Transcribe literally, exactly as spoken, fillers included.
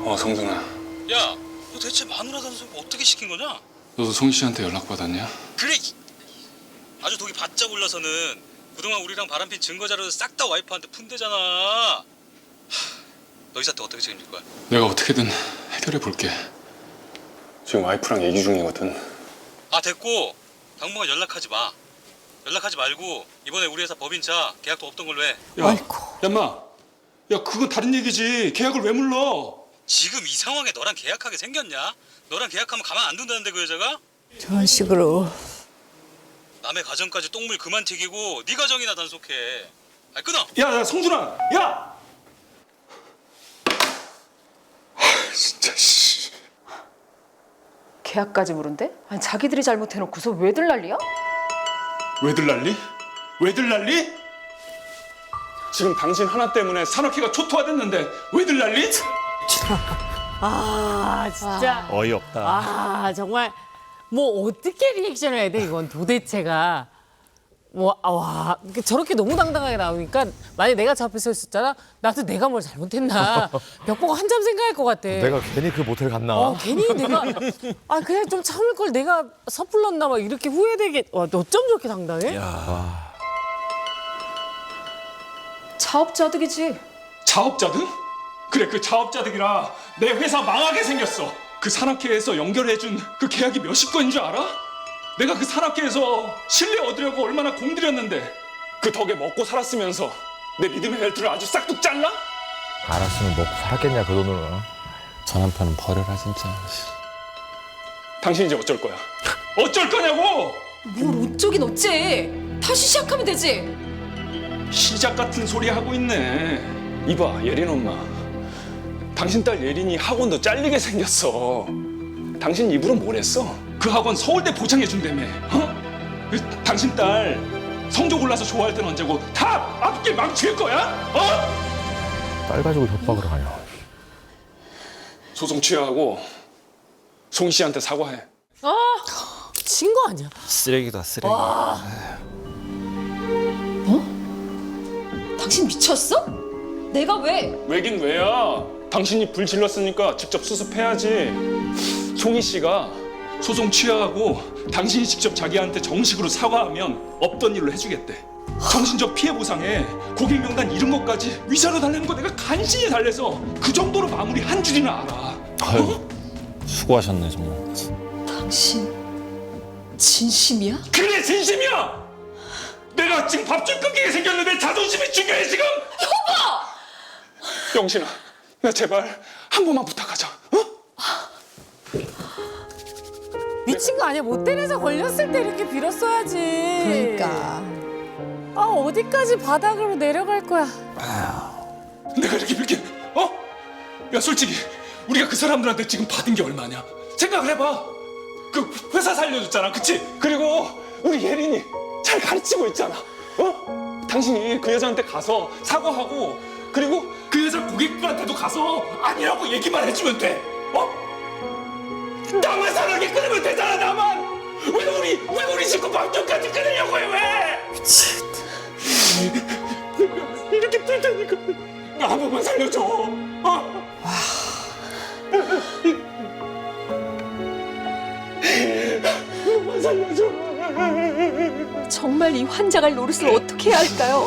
어, 성준아. 야, 너 대체 마누라 단속 어떻게 시킨 거냐? 너도 송 씨한테 연락 받았냐? 그래. 아주 독이 바짝 올라서는 그동안 우리랑 바람핀 증거 자료를 싹 다 와이프한테 푼대잖아. 하, 너 이 사태 어떻게 책임질 거야? 내가 어떻게든 해결해 볼게. 지금 와이프랑 얘기 중이거든. 아, 됐고 당분간 연락하지 마. 연락하지 말고 이번에 우리 회사 법인차 계약도 없던 걸로 해. 야, 얌마. 야, 그건 다른 얘기지. 계약을 왜 물러? 지금 이 상황에 너랑 계약하게 생겼냐? 너랑 계약하면 가만 안 둔다는데 그 여자가? 저런 식으로. 남의 가정까지 똥물 그만 튀기고 네 가정이나 단속해. 아, 끊어. 야, 야, 성준아. 야! 하, 진짜 씨. 계약까지 물은데? 아니 자기들이 잘못해놓고서 왜들 난리야? 왜들 난리? 왜들 난리? 지금 당신 하나 때문에 산업회가 초토화됐는데 왜들 난리? 아 진짜. 어이없다. 아 정말 뭐 어떻게 리액션을 해야 돼 이건 도대체가. 뭐, 아, 와, 저렇게 너무 당당하게 나오니까 만약에 내가 저 앞에 서 있었잖아? 나도 내가 뭘 잘못했나 벽 보고 한참 생각할 것 같아. 내가 괜히 그 모텔 갔나? 어, 괜히 내가 아 그냥 좀 참을 걸 내가 섣불렀나 막 이렇게 후회되게. 와, 어쩜 저렇게 당당해? 자업자득이지. 자업자득? 그래, 그 자업자득이라 내 회사 망하게 생겼어. 그 산악회에서 연결해준 그 계약이 몇십 건인 줄 알아? 내가 그 산악회에서 신뢰 얻으려고 얼마나 공들였는데 그 덕에 먹고 살았으면서 내 믿음의 벨트를 아주 싹둑 잘라? 알았으면 먹고 살았겠냐 그 돈으로. 저 남편은 버려라 진짜. 당신 이제 어쩔 거야? 어쩔 거냐고! 뭘 어쩌긴 어째. 다시 시작하면 되지. 시작 같은 소리 하고 있네. 이봐, 예린 엄마. 당신 딸 예린이 학원도 잘리게 생겼어. 당신 입으로 뭘 했어? 그 학원 서울대 보장해준다며. 어? 그, 당신 딸 성적 올라서 좋아할 땐 언제고 다 앞길 망칠 거야? 어? 딸 가지고 협박을 하냐. 소송 취하하고 송 씨한테 사과해. 아, 친 거 아니야? 쓰레기다 쓰레기. 당신 미쳤어? 내가 왜? 왜긴 왜야? 당신이 불 질렀으니까 직접 수습해야지. 송이 씨가 소송 취하하고 당신이 직접 자기한테 정식으로 사과하면 없던 일로 해주겠대. 정신적 피해 보상에 고객 명단 이런 것까지 위자료 달래는 거 내가 간신히 달래서 그 정도로 마무리 한 줄이나 알아. 아유, 수고하셨네 정말. 당신 진심이야? 그래, 진심이야! 내가 지금 밥줄 끊기게 생겼는데 자존심이 중요해 지금? 여보! 영신아, 나 제발 한 번만 부탁하자. 어? 미친 거 아니야? 모텔에서 걸렸을 때 이렇게 빌었어야지. 그러니까. 아 어디까지 바닥으로 내려갈 거야? 내가 이렇게 빌게, 어? 야, 솔직히 우리가 그 사람들한테 지금 받은 게 얼마냐? 생각을 해봐. 그 회사 살려줬잖아, 그치? 그리고 우리 예린이 잘 가르치고 있잖아, 어? 당신이 그 여자한테 가서 사과하고 그리고 그 여자 고객들한테도 가서 아니라고 얘기만 해주면 돼, 어? 나만 사랑에 끊으면 되잖아, 나만! 왜 우리, 왜 우리 식구 방정까지 끊으려고 해, 왜? 미친. 내가 이렇게 뛸 테니까 나 한 번만 살려줘, 어? 한 번만 살려줘. 정말 이 환자갈 노릇을 어떻게 해야 할까요?